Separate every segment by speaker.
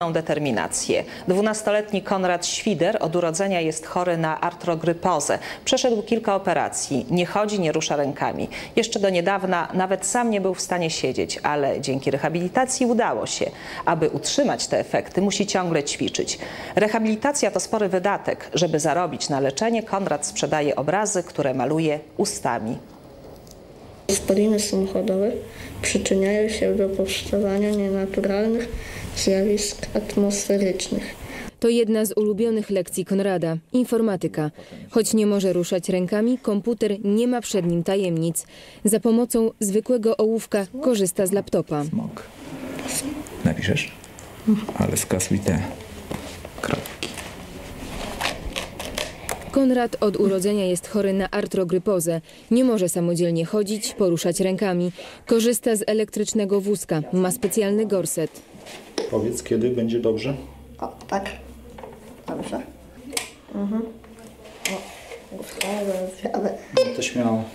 Speaker 1: determinację. 12-letni Konrad Świder od urodzenia jest chory na artrogrypozę. Przeszedł kilka operacji. Nie chodzi, nie rusza rękami. Jeszcze do niedawna nawet sam nie był w stanie siedzieć, ale dzięki rehabilitacji udało się. Aby utrzymać te efekty, musi ciągle ćwiczyć. Rehabilitacja to spory wydatek. Żeby zarobić na leczenie, Konrad sprzedaje obrazy, które maluje ustami.
Speaker 2: Spaliny samochodowe przyczyniają się do powstawania nienaturalnych zjawisk atmosferycznych.
Speaker 3: To jedna z ulubionych lekcji Konrada – informatyka. Choć nie może ruszać rękami, komputer nie ma przed nim tajemnic. Za pomocą zwykłego ołówka korzysta z laptopa.
Speaker 4: Smok. Napiszesz? Ale skasuj te kropki.
Speaker 3: Konrad od urodzenia jest chory na artrogrypozę. Nie może samodzielnie chodzić, poruszać rękami. Korzysta z elektrycznego wózka. Ma specjalny gorset.
Speaker 5: Powiedz, kiedy będzie dobrze?
Speaker 2: O, tak. Dobrze.
Speaker 5: To śmiało.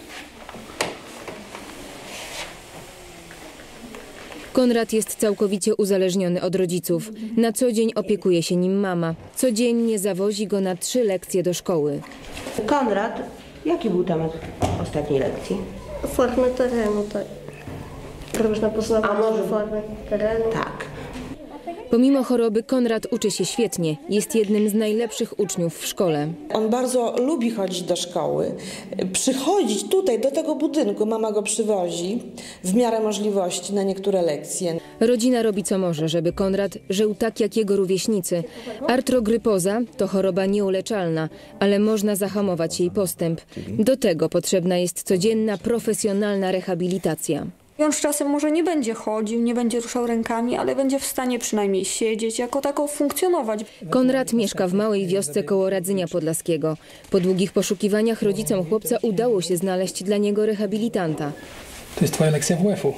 Speaker 3: Konrad jest całkowicie uzależniony od rodziców. Na co dzień opiekuje się nim mama. Codziennie zawozi go na 3 lekcje do szkoły.
Speaker 6: Konrad, jaki był temat ostatniej lekcji?
Speaker 2: Formy terenu, tak. Robisz na poznawanie formy terenu.
Speaker 6: Tak.
Speaker 3: Pomimo choroby Konrad uczy się świetnie. Jest jednym z najlepszych uczniów w szkole.
Speaker 7: On bardzo lubi chodzić do szkoły, przychodzić tutaj do tego budynku. Mama go przywozi w miarę możliwości na niektóre lekcje.
Speaker 3: Rodzina robi co może, żeby Konrad żył tak jak jego rówieśnicy. Artrogrypoza to choroba nieuleczalna, ale można zahamować jej postęp. Do tego potrzebna jest codzienna, profesjonalna rehabilitacja.
Speaker 8: On z czasem może nie będzie chodził, nie będzie ruszał rękami, ale będzie w stanie przynajmniej siedzieć, jako tako funkcjonować.
Speaker 3: Konrad mieszka w małej wiosce koło Radzynia Podlaskiego. Po długich poszukiwaniach rodzicom chłopca udało się znaleźć dla niego rehabilitanta.
Speaker 9: To jest twoja lekcja WF-u.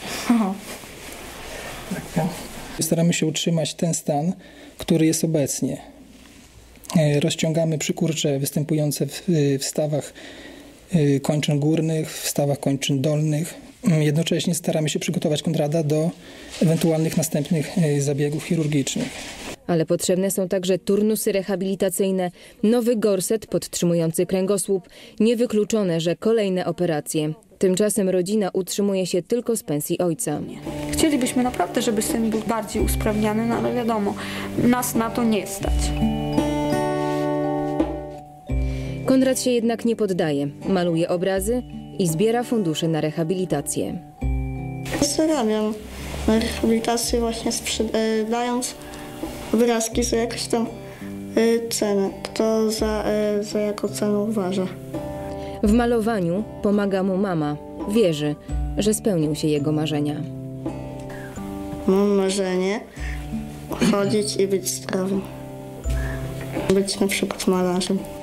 Speaker 9: Staramy się utrzymać ten stan, który jest obecnie. Rozciągamy przykurcze występujące w stawach kończyn górnych, w stawach kończyn dolnych. Jednocześnie staramy się przygotować Konrada do ewentualnych następnych zabiegów chirurgicznych.
Speaker 3: Ale potrzebne są także turnusy rehabilitacyjne, nowy gorset podtrzymujący kręgosłup, niewykluczone, że kolejne operacje. Tymczasem rodzina utrzymuje się tylko z pensji ojca.
Speaker 8: Chcielibyśmy naprawdę, żeby syn był bardziej usprawniany, no ale wiadomo, nas na to nie stać.
Speaker 3: Konrad się jednak nie poddaje, maluje obrazy i zbiera fundusze na rehabilitację.
Speaker 2: Zarabiam na rehabilitację właśnie sprzedając obrazki za jakąś tam cenę. Kto za jaką cenę uważa.
Speaker 3: W malowaniu pomaga mu mama. Wierzy, że spełnią się jego marzenia.
Speaker 2: Mam marzenie chodzić i być zdrowym. Być na przykład malarzem.